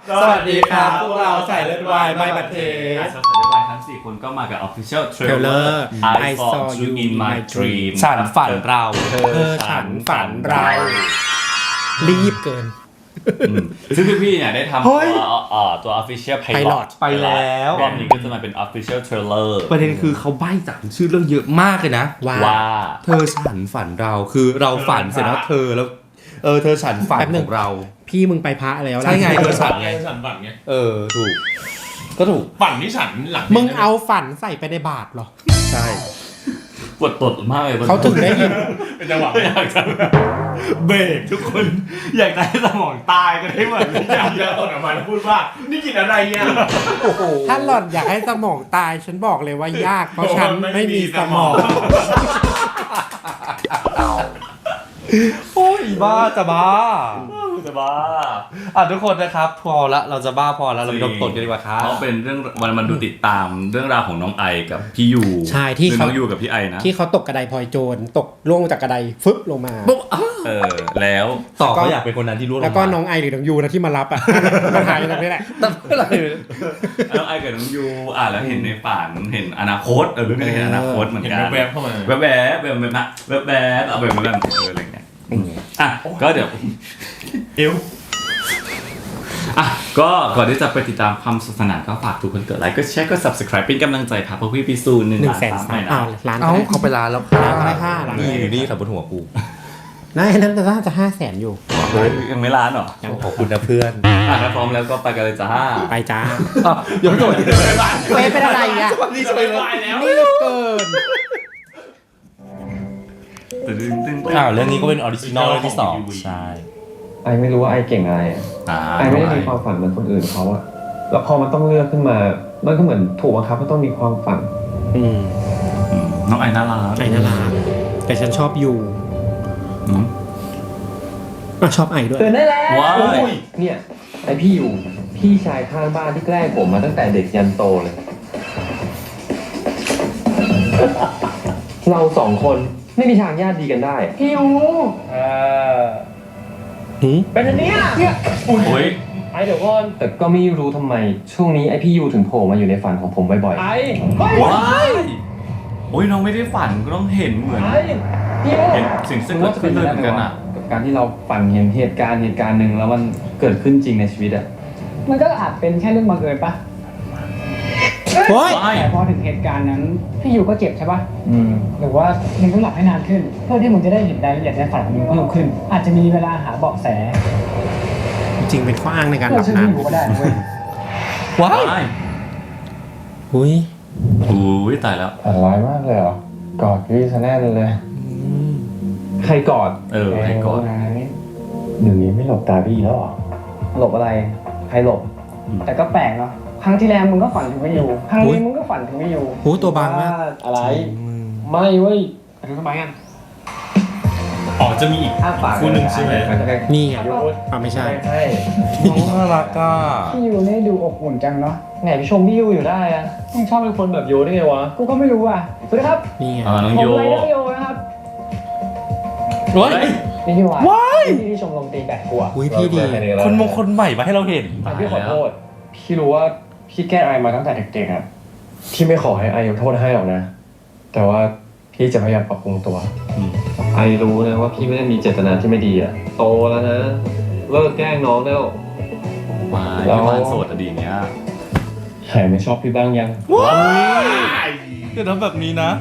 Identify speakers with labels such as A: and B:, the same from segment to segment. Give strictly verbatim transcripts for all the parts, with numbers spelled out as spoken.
A: สวัสดีครับพวกเราใส่เลือดวายไม่บัดเทส
B: สาวสายวายทั้งสี่คนก็มากับ Official Trailer I Saw You in My Dream
A: ฉันฝันเรา
B: เธอฉันฝันเรา
C: รีบเกิน
B: ซึ่งพี่ๆเนี่ยได้ทำ
A: เฮ้
B: ตัวย เอ่อตัว Official
C: Pilot
B: Pilot
A: ไปแล้ว
B: รอบนี้ก็จะมาเป็น Official Trailer
A: ประเด็นคือเขาใบ้จากชื่อเรื่องเยอะมากเลยนะ
C: ว่า
B: ว่า
A: เธอฉันฝันเราคือเราฝันเสร็จแล้วเธอแล้วเออเธอฉันฝัน
C: แป๊บหนึ่
A: ของ งเรา
C: พี่มึงไปพระแล้ว
A: ใช่ไงเธอฉันไง
D: ฉันฝันไง
A: เออถูกก็ถูก
D: ฝันที่ฉันหลัง
C: มึงเอาฝันใส่ไปในบาทเหรอ
A: ใช่
B: ปวดตดมากเลย
C: เขาถึงได้ยิน
D: เป็นจังหวะ
B: อยากจะเบรกทุกคนอยากจะให้สมองตายกันให้หมดเลย
D: อยากจะตดออกมาแล้วพูดว่านี่กินอะไรเนี่ย
C: ถ้าหล่อนอยากให้สมองตายฉันบอกเลยว่ายาก เพราะฉันไม่มีสมอง
A: โอ้ยบ้าจะบ้า
B: จะบ้า
A: อ่ะทุกคนนะครับพอละเราจะบ้าพอแล้วเราไปดมตดกันดีกว่าครับ
B: เพราะเป็นเรื่องวันมันดูติดตามเรื่องราวของน้องไอกับพี่ยู
C: ใช่ที่
B: คือ
C: เขา
B: น้องยูกับพี่ไอนะ
C: ที่เขาตกกระไดพลอยโจรตกล่วงจากกระไดฟึบลงมา
B: เออแล้ว
A: ต่อเขาอยากเป็นคนนั้นที่รู้
C: แล้วก็น้องไอหรือน้องยูนะที่มารับอ่ะ มาถ่ายตรงนี้แหละ
A: แต่เมื่อไหร่
B: น้องไอกับน้องยูอ่ะแล้วเห็นในฝันเห็นอนาคตเออเรื่องนี้เห็นอนาคตเหมือน
D: เห็น
B: กัน
D: แวบๆเข้ามา
B: แวบแวบแวบแวบนะแวบแวบเอาแบบนั้นเอออะไรเงี้ยอ่ะก็เดี๋ยว
D: เอว
B: อ่ะก็ก่อนที่จะไปติดตามความสนุกสนานก็ฝากทุกคนกดไลค์ก็แชร์ก็ subscribe เป็นกำลังใจครับเพราะพี่พิสูจน์หนึ่ง
C: หนึ่ง
B: ล้าน
C: แสน
B: สาม
C: สาม
B: ไปนะ
C: อ้าวล้าน
A: เอ้าเขาไปร้านแล้วค่ะ
C: ร้านอะไรค่ะร้าน
A: นี่อยู่นี่ขับบนหัวกู
C: นั่นนั่นน่าจะห้าแสนอยู่
B: เฮ้ยยังไม่ล้านเหรอ
A: ขอบคุณนะเพื่อน
B: อ่ะถ้าพร้อมแล้วก็ไปกันเลยจ้า
C: ไปจ้า
A: อ่ะเดี๋ยวโดด
C: เป๊ะเป็นอะไรอ่ะ
A: นี่จะไปเลย
C: รีบเกิน
B: ตึ้งตึ้ง
A: อ้าวเรื่องนี้ก็เป็นออริจินอลเรื่องที่สองใช่
E: ไอไม่รู้ว่าไอเก่งอะไรอะ
B: อ่า
E: ไอไม่ได้มีความฝันเหมือนคนอื่นเขาอะแล้วพอมันต้องเลือกขึ้นมา มันก็เหมือนถูกบังคับว่าต้องมีความฝัน
C: อืม
B: อืมน้องไอน่ารัก
C: ไอน่ารักแต่ฉันชอบยู
B: อืม
C: อ่ะชอบไอด้วย
E: ตื่นได้แล้ว
B: ว้าย
E: เนี่ยไอพี่อยู่ พี่ชายข้างบ้านที่แกล้งผมมาตั้งแต่เด็กยันโตเลย เราสองคนไม่มีทางญาติดีกันได้ พี่อยู่
C: หืม
E: เป็นอันเนี้ยเนี่ย
B: โอ้ย
E: ไอเดี๋ยวก่อนแต่ก็ไม่รู้ทำไม ช่วงนี้ไอพี่ยูถึงโผล่มาอยู่ในฝันของผมบ่อยๆไอเฮ้ย
B: ว้ายโอ้ยน้องไม่ได้ฝันก็ต้องเห็นเหมือน
E: ไอพี่ยู
B: เห็นสิ่งซึ่งเกิดขึ้นเลยเหมือนกันอ่ะ
E: กับการที่เราฝันเห็นเหตุการณ์เหตุการณ์หนึ่งแล้วมันเกิดขึ้นจริงในชีวิตอะ
F: มันก็อาจเป็นแค่เรื่องบังเอิญปะ
C: โอ้ย
B: ว้าย
F: แต่พอถึงเหตุการณ์นั้น พี่อยู่ก็เจ็บใช่ปะ
E: อืม
F: หรือว่ามึงต้องหลับให้นานขึ้น เพื่อที่มึงจะได้เห็นรายละเอียดในฝันของมึงเพิ่มขึ้น อาจจะมีเวลาหาเบาะแส
C: จริงๆเป็นข้ออ้างในการห
F: เพื่
C: ลั
F: อบ ช่วย
C: นาน
F: พี่อยู่ก็ได้นะเว้ย
A: ว้าย
B: ว้าย
C: อุ้ย
B: อุ้ยตายแล้ว
E: ฝันร้ายมากเลยเหรอ กอดพี่ซะแน่นเลย ใครกอด
B: เออให้ก่อน
E: หนึ่งนี้ไม่หลบตาพี่แล้วหรอ หลบอะไร ใครหลบ
F: แต่ก็แปลกเนาะ ครั้งที่แล้วมึงก็ฝันถึงไม่อยู่ ครั้งนี้มึงก็ฝันถึงไม่อยู่
C: หูตัวบางมาก
E: อะไร ไม่เว้ย
F: ไปดูทำไมกัน
D: อ๋อจะมีอีก
E: อ้าปาก
D: คู่หนึ่งใช่ไหม
C: นี่ไง
E: ยุด
C: อ่ะไม่ใช่
E: ใช่
A: น่ารักอ่ะ
F: พี่อยู่นี่ดูอบอุ่นจังเนาะ
E: ไหนพี่ชมพี่ยูอยู่ได้อะมึงชอบเป็นคนแบบยูได้ไงวะ
F: กูก็ไม่รู้อ่ะ สวัสดีครับ
C: นี่ไง
B: อ่าน้อง
F: ผม
B: โย
F: ไรเดอร์โยนะครับ
A: โอ้ย
F: นี่ที่วา
A: ว้าย
F: พี่ที่ชมรมตีแบดกูอะ
C: อุ้ยพี่ดี
A: คนมงคลใหม่มาให้เราเห็น
E: แต่พี่ขอโทษ พี่รู้ว่าพี่แกล้งไอมาตั้งแต่เด็กๆอะพี่ไม่ขอให้ไอยกโทษให้หรอกนะ แต่ว่าพี่จะพยายามปรับปรุงตัว
B: อืม
E: ไอรู้นะว่าพี่ไม่ได้มีเจตนาที่ไม่ดีอะโตแล้วนะ เลิกแกล้งน้องแล้ว
B: ว้าย
E: แล้ว
B: พี่บ้านโสดอะดีเนี้ย
E: หายไม่ชอบพี่บ้างยัง
A: ว้ายอย่าทำแบบนี้นะ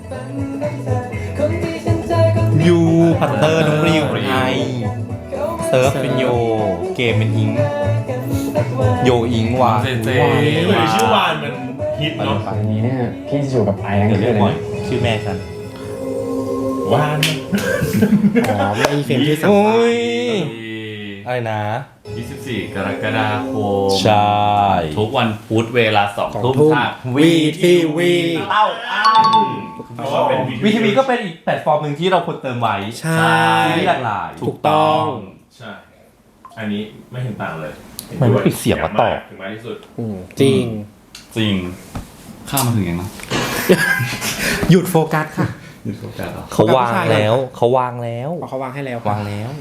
A: ยูพัตเตอร์น้องริวไอเซิร์ฟเป็นโย เกมเป็นอิง โยอิงวา
B: เจเจ
D: เฮ้ยชื่อวานมันฮิตเนาะ
E: อันนี้เนี่ยพี่จะอยู่กับไอทั้ง
A: เดี๋ยว
E: คื
A: เรีย
E: น
A: ก
E: เลย
A: บ่อย
E: นะ
A: ชื่อแม่ฉัน
D: วาน
C: อ๋อไม่มีเฟรมที่สาม
A: โอ้ย อะไรนะ
B: ยี่สิบสี่กรกฎาคม
A: ใช่
B: ทุกวันพุธเวลาสอง
C: สอง
B: ทุ่ม
C: ทุ่ม
B: ทาง
C: วีทีวี
B: เต้าอ้าง
D: เพราะว่าเป็น
A: วีทีวีก็เป็นอีกแพลตฟอร์มหนึ่งที่เราควรเติมไว้
C: ใช่
A: ที่หลากหลาย
C: ถูกต้อง
D: ใช่ อันนี้ไม่เห็นต่างเลย
A: มันไม่ปิดเสียงวะต่อ
D: ถึงมากที่สุด
C: อืมจริง
B: จริง ข้ามมาถึงยังนะ
C: หยุดโฟกัสค่ะ
B: หยุดโฟกัสเหรอ
A: เขาวางแล้ว เขาวางแล้ว
C: พอเขาวางให้แล้ว
A: วางแล้ว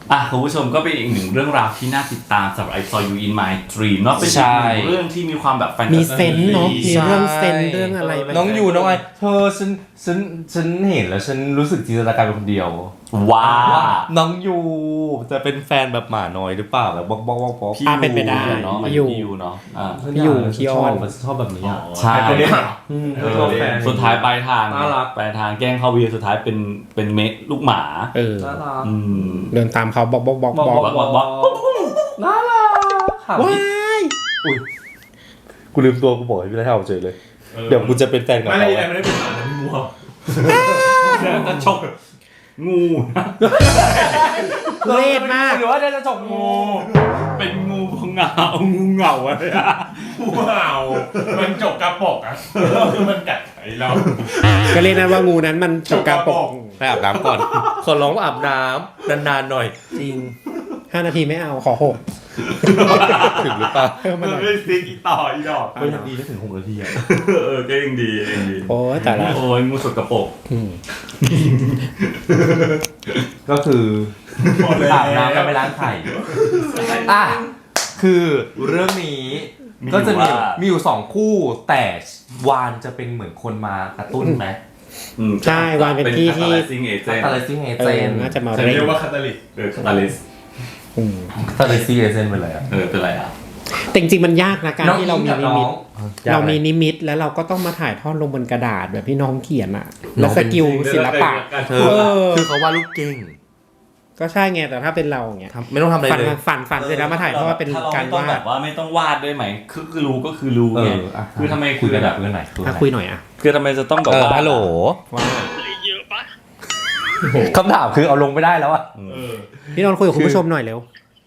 B: อ่ะคุณผู้ชมก็เป็นอีกหนึ่งเรื่องราวที่น่าติดตามสำหรับ I Saw You in My Dream เนาะเป็นอีกหนึ่งเรื่องที่มีความแบบแฟนตาซี
C: มีเซนส์เนาะมีเรื่องเซนส์เรื่องอะไรไป
A: น้องยูน้องไอเธอฉันฉันฉันเห็นแล้วฉันรู้สึกจินตนาการเป็นคนเดียว
B: ว้า
A: น้องยูจะเป็นแฟนแบบหมาน้อยหรือเปล่าแบบบอกบอกบอกบอก
C: อ่ะเป็นไปได้
B: เนาะ
C: พี่ยู
B: พี่ยูเนาะอ่า
C: พี่ยูพี่อ้อน
A: ชบชอบแบบนี้อ่ะ
B: ใช่
D: ตัวเนี้ย
A: อืม
D: เออ
A: ชอบแฟน
B: สุดท้ายปลายทาง
A: น่ารัก
B: ปลายทางแกล้งเข้าวีสุดท้ายเป็นเป็นเมะลูกหมา
C: เออ
A: น่ารัก
B: อืม
C: เดินตามเขาบอกบอกบอก
A: บอก
C: บอก
A: บอกบอกน่ารักค่ะ
C: ว้าย
A: อุ้ยกูลืมตัวกูบอกให้พี่ได้ทำเฉยเลย เดี๋ยวกูจะเป็นแฟนกับ
D: ไม่
A: เขา
D: ได้ไม่ได้เป็นหมานะพี่มัว
B: จะฉกงู
C: เวทมาก
A: หรือว่าจะจบงู
B: เป็นงูเหงางูเหงาอะไรอะ
D: ว้าวมันจบกระปกอ่ะคือมันกัดไอเรา
C: ก็เรียกนั้นว่างูนั้นมันจบการปก
A: ไปอาบน้ำก่อน ขอร้องอาบน้ำนานๆหน่อย
C: จริงห้านาทีไม่เอาขอหก
A: ถึงหรือเปล่า
C: เพิ่มมา
B: มัน
C: หน่อย
B: ไม่ซิกอีต่ออีดอก
A: ก็ยังดีได้ถึงหกนาทีอ่ะ
B: เออก็ยังดียังดี
C: โอ้ยแต่ละ
B: โอ้ยงูสกปรก
C: อืม
A: ก็คืออาบน้ำกันไปล้างไข่อ่ะคือเรื่องนี้ก็จะมีมีอยู่สองคู่แต่วานจะเป็นเหมือนคนมากระตุ้นไหม
B: อืม
C: ใช่วางเป็นที่ที่
B: ซิงเอเจน
A: คาตาลิซิงเอ
C: เอ
A: เจ
C: อน น่าจะมา
D: จะ
C: เร่ง
D: เรียกว่าคาตาลิส
B: เออคาตาลิส
C: อืม
A: คาตาลิซิงเอเจนเป็นอะไรอ่ะ
B: เออเป็นไรอ่ะ
C: แต่จริงๆมันยากนะการที่เรามีนิมิต
A: ยากไห
C: เรามีนิมิตแล้วเราก็ต้องมาถ่ายทอดลงบนกระดาษแบบที่น้องเขียนอ่ะ แล้วสกิลศิลปะ
A: เธอ
C: เออ
A: คือเขาวาดรูปเก่ง
C: ก็ใช่ไงแต่ถ้าเป็นเราอย่างเงี้ย
A: ทำไม่ต้องทำอะไร
C: ฝัน
A: เลย
C: ฝันฝันเสร็จแล้วมาถ่ายทอดเป็น
B: ถ้
C: การ
B: ไม่ต้อง
C: วา
B: แบ
C: ด
B: บว่าไม่ต้องวาดด้วยไหมคือคือรู้ก็คือรู้
A: เอ
B: ไง
A: ออ่ะ
B: คือทำไม
A: คุยกัน
B: แบ
A: แบบ บเรื่องไหนคุย
C: อ่ะคุยหน่อยอ่ะ
B: คือทำไมจะต้องแบบ
A: เออ
B: ว่า
A: ฮัลโหล
C: ว่า
A: คำถามคือเอาลงไม่ได้แล้วอ่ะ
D: เออ
C: พี่นนท์คุยกับคุณผู้ชมหน่อยเร็ว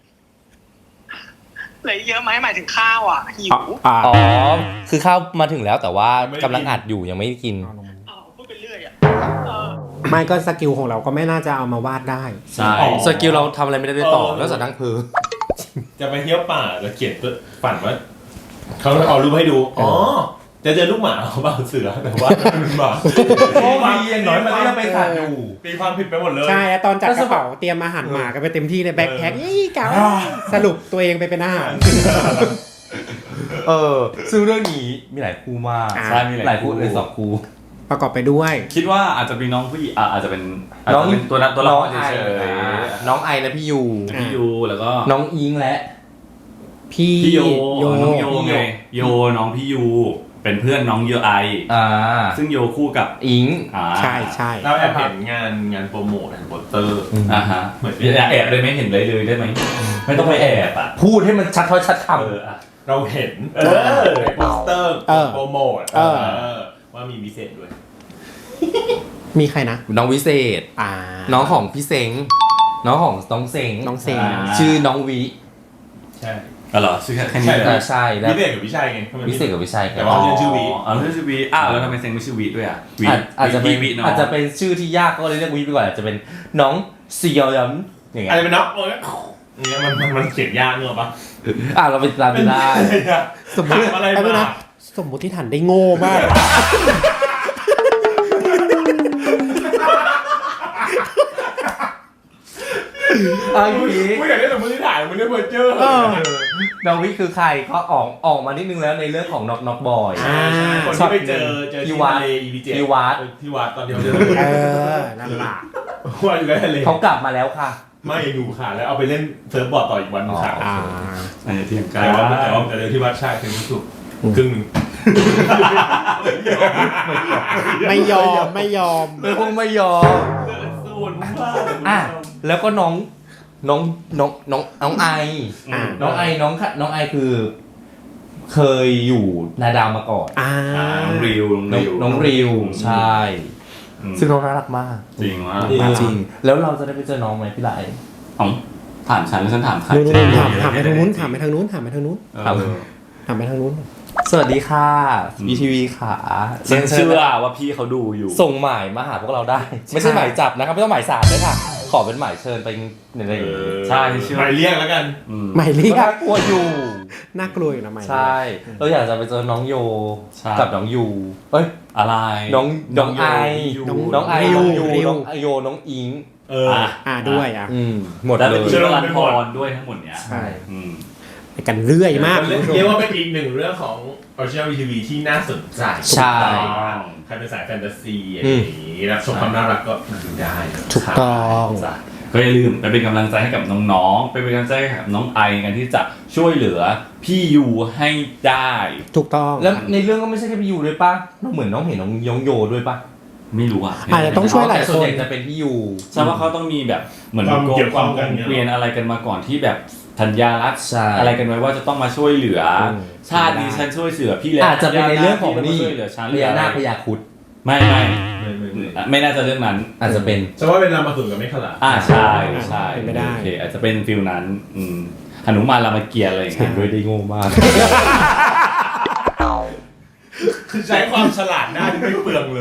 G: เหลือเยอะไหมหมายถึงข้าวอ่ะหิว
C: อ่า
A: อ๋อ คือข้าวมาถึงแล้วแต่ว่ากำลังอัดอยู่ยังไม่ได้กิน
G: อ้าวพูดไปเรื่อยอ่ะเออ
C: ไม่ก็สกิลของเราก็ไม่น่าจะเอามาวาดได้
B: ใช่
A: สกิลเราทำอะไรไม่ได้ด้วยต่อ แล้วจากนั่งเพอ
D: จะไปเที่ยวป่าแล้วเขียนตัวฝันว่าเขาเอารูปให้ดู อ๋อ จะเจอลูกหมาเขาเปล่าเสือแต่ว่ามันเป็นหมา
A: โอ้ดีอย่างน้อยมันก็ยังเป็นสัตว์อยู่
D: ตีความผิดไปหมดเลย
C: ใช่แล้วตอนจัดกระเป๋าเตรียมอาหารหมากันไปเต็มที่เลยแบ็คแพ็คยี่กะสรุปตัวเองไปเป็นอาหาร
A: เออ ซึ่งเรื่องนี้มีหลายคู่มาก
C: อ่า
B: ใช่มี
A: หลายคู่เลยสองคู่
C: ประกอบไปด้วย
B: คิดว่าอาจจะมีน้องผู้หญิงอ่ะอาจจะเป็นอาจ
A: น้อง
B: จะเป็นตัวนั้นตัวละ
A: น้
B: ค
A: อง
B: ร
A: ไอ
B: เฉย
A: น้องไอและพี่ยู
B: ๆพี่ยูแล้วก็
A: น้องอิงและ
C: พี่
B: พี่โย
C: โย
B: น้องโยไงโยน้องพี่ยูเป็นเพื่อนน้องโยไอ
A: อ่า
B: ซึ่งโยคู่กับ
A: อิง
B: อ่า
C: ใช่ใช่
D: เราแอบเห็นงานงานโปรโมทโปสเตอร์
B: อ่าฮะ
D: เหมือน
B: อย่าแอบได้ไหมเห็นเลยเลยได้ไหมไม่ต้องไปแอบอ่ะ
A: พูดให้มันชัดถ้อยชัดค
B: เอออ่ะ
D: เราเห็น
B: เออ
D: ในโปสเตอร์
C: เออ
D: โปรโมท
C: เออ
D: เออว่ามีพิเศษด้วย
C: มีใครนะ
A: ำน้องวิเศษ
C: อ่า
A: น้องของพี่เซ็งน้องของน้องเซ็ง
C: น้องเซง
B: อ่า
A: ชื่อน้องวิ
D: ใช่
B: อ๋อเหรอชื่อแค่แค่นี้
D: ใช่
B: เลย
A: อ่าใช่แล้ว
D: พิเศษกับวิชัยไงทำไม
A: วิเศษกับวิชัย
D: แต่ว่า เรียนชื่อวิ
B: อ๋อเรียนชื่อวีอ้าวแล้วทำไมเซ็งไม่ชื่อวีด้วยอ่ะวี
A: อาจอาจจะเป็น
B: วีน้อง
A: อาจจะเป็นชื่อที่ยากก็เลยเรียกวิไปก่อนอาจจะเป็นน้องเซียวยัมอย่างเงี้
D: อะไร
A: ย
D: เป็นน็อกเออเนี่ยมันมันมันเขียนยากเนอะปะ
A: อ่ะเราไปตามดูได้
C: สมมติ
D: อะไร
C: แป๊บนึง
D: มา
C: นะสมมติที่ฐานได้โง่มาก
A: เอาอย่างนี้
D: ไม่อยากได้สมมติฐานมันเรียกเบอร์เจอร์
C: เออ
A: น้องวิคือใครก็ออกออกมานิดนึงแล้วในเรื่องของน็อกน็อกบอย
C: อ่า
D: คนที่ไปเจอเจอ
A: ที่
D: ที่
A: วั
D: วั
A: ด
D: ดอีพีเจ็ด
A: ที่วัด
D: ที่วัดตอนเดียวเจอ
C: เออนั่นแหละ
D: ว่าอยู่แล้วทะเล
A: เขากลับมาแล้วค่ะ
D: ไม่ดูค่ะแล้วเอาไปเล่นเซิร์ฟบอร์ดต่ออีกวันหนึงค่ะ
C: อ่า
B: อันนี้เทียงกัน
D: แต่ว่าแต่ว่าแต่เจอที่วัดใช่เป็นที่สุดครึ่งหนึ่ง
C: ไม่ยอมไม่ยอม
A: เป็นคงไม่ยอม
B: ส่วนมาก
A: อ่ะแล้วก็น้องน้องน้องน้องน้องไอ
C: อ่า
A: น้องไอน้องค่ะน้องไอคือ เคยอยู่นาดาวมาก่อน
C: อ่า
B: อ่าน้องริว
A: น้องน้องริวใช่
B: อืม
A: ซึ่งน้องน่ารักมาก
B: จริงว่า
A: จริงแล้วเราจะได้ไปเจอน้องไหมพี่ไหล
B: อ๋อถามฉันแล้วฉันถามใคร
C: นู้นๆถามถามไปทางนู้นถามไปทางนู้นถามไปทางนู้น
B: เออ
C: ถามไปทางนู้น
A: สวัสดีค่ะ
B: อืม
A: บีทีวีขา
B: ฉันเชื่อว่าพี่เขาดูอยู่
A: ส่งหมายมาหาพวกเราได้ ไม่ใช่หมายจับนะครับไม่ต้องหมายสารด้วยค่ะ ขอเป็นหมายเชิญไปในอะไรอย่างงี้
B: ใช่เชื่อ
D: หมายเรียกแล้วกัน
B: อืม
C: หมายเรียก
A: น่ากลัวอยู่
C: น่ากลัวอยู่นะหมายเรียก
A: ใช่ เราอยากจะไปเจอน้องโย
B: ใช่
A: กับน้องยูเอ้ย
B: อะไร
A: น้องน้องไอ
B: ยู
C: น้อง
A: น้องไอ
C: ริว
A: น้องยู
C: ริว
A: น้องไอโยน้องอิง
D: เออ
B: อ่ะ
C: อ่าด้วยอ่ะ
A: อืมหมด
B: แล้ว
A: เล
B: เป็น
A: ย
B: ชื่อรันพรด้วยทั้งหมดเนี้ย
C: ใช่
B: อืม
C: ไปกันเรื่อยมากคุณผู้ชม
D: เรียกว่าเป็นอีกหนึ่งเรื่องของ Original วี ที วี ที่น่าสนใจ
A: ใช่
D: ใครเป็นสายแฟนตาซีอะไรอย่างนี้รับชมความน่ารักก็มาดูได้นะ
C: ถูกต้อง
B: จ้ะก็อย่าลืมไปเป็นกำลังใจให้กับน้องๆไปเป็นกำลังใจให้กับน้องไอกันที่จะช่วยเหลือพี่ยูให้ได้
C: ถูกต้อง
A: แล้วในเรื่องก็ไม่ใช่แค่พี่ยูด้วยป่ะเหมือนน้องเห็นน้องยองโยด้วยป่ะ
B: ไม่รู้อ่ะ
C: อาจจะต้องช่วยหลาย
A: แต่
C: ค
A: ส่วนให
C: น
A: ญ่จะเป็นพี่ยู
B: ใช่ว่าเขาต้องมีแบบเหมือน
D: ความ
B: โก
D: เกี่ยว
B: ค
D: ข้
B: วา
D: อ
B: ม
D: งกัน
B: เวียนอะไรกันมาก่อนที่แบบธัญญารัตน์
A: ใช่
B: อะไรกันไว้ว่าจะต้องมาช่วยเหลืออ
A: ม
B: ชาตินี้ฉันช่วยเหลือพี่แล้ว
A: อาจจะเป็นในเรื่องของ
B: พี่
A: นี่
B: ช่วยเหลือฉัน
A: พญานาคพญาครุฑ
B: ไม่ไม่
D: ไม่ไม่ไม่
B: ไม่น่าจะเรื่องนั้น
A: อาจจะเป็น
D: ฉันว่าเป็นรามาตุนกับไม่ขลา
B: อ่าใช่ใช่
C: เป็นไปได้
B: โอเคอาจจะเป็นฟิลนั้นอืมหนุมานรามเกียรติ์อะไรอย่าง
A: เห็
B: เงี้
A: น
B: ย
A: ด้วยได้โง่มาก
D: คือใช้ความฉลาดหน้าที่ไม่เปลืองเลย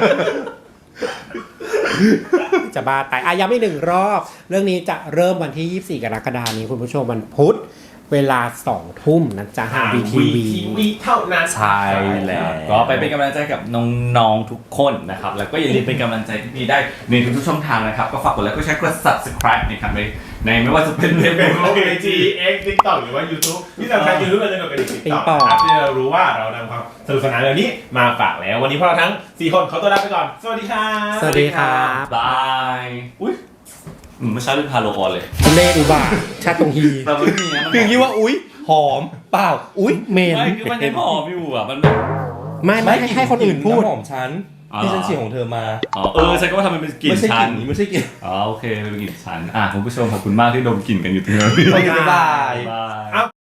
C: จะบ้าตายอ่ะย้ำอีกหนึ่งรอบ เรื่องนี้จะเริ่มวันที่ ยี่สิบสี่ กรกฎาคมนี้คุณผู้ชมวันพุธเวลาสองทุ่มนะจ๊ะทาง วี ที วี
D: วีเท่านั้น
A: ใช่แล้ว
B: ก็ไปเป็นกำลังใจกับน้องๆทุกคนนะครับแล้วก็อย่าลืมเป็นกำลังใจที่ดีได้ในทุกๆช่องทางนะครับก็ฝากกดไลค์กดแชร์กด subscribe นะครับในในไม่ว่าจะเป็นใน
D: เป็น
B: Facebook
D: ไอจีเอ็กซ์ติ๊กต็อกหรือว่า YouTube ที่สำคัญ YouTube เราจะเป็นติ๊กต็อก
C: TikTok
D: ครับที่เรารู้ว่าเรานำความสนุกสนานเหล่านี้มาฝากแล้ว วันนี้พวกเราทั้งสี่คนขอตัวลาไปก่อน สวัสดีครับ
C: สวัสดีครับ
B: บายอุ้ยอืมไม่ใช่เรื่องพาโลออนเลย
C: ทุเลอุบาทชาตงฮี
B: แต่มันไม่มีนะมัน
A: คือคิดว่าอุ๊ยหอมเปล่าอุ๊ย
C: เมน
B: ไม่คือมันยังหอมอยู่อ่ะมันแบบ
C: ไม่ไม่ให้ให้คนอื่นพูด
A: ำหอมฉัน
B: อ๋อ
A: ที่ฉันฉีดของเธอมา
B: อ๋อเออฉันก็ว่าทำไมเป็นกลิ่น
A: ไม่ใช่ก
B: ชั
A: ลิ่
B: น
A: นนี้ไม่ใช่กลิ่น
B: อ๋อโอเคเป็นกลิ่นชันอ่ะคุณผู้ชมขอบคุณมากที่ดมกลิ่นกันอยู่ที่นี่
A: โอเคบ๊ายบาย
B: บาย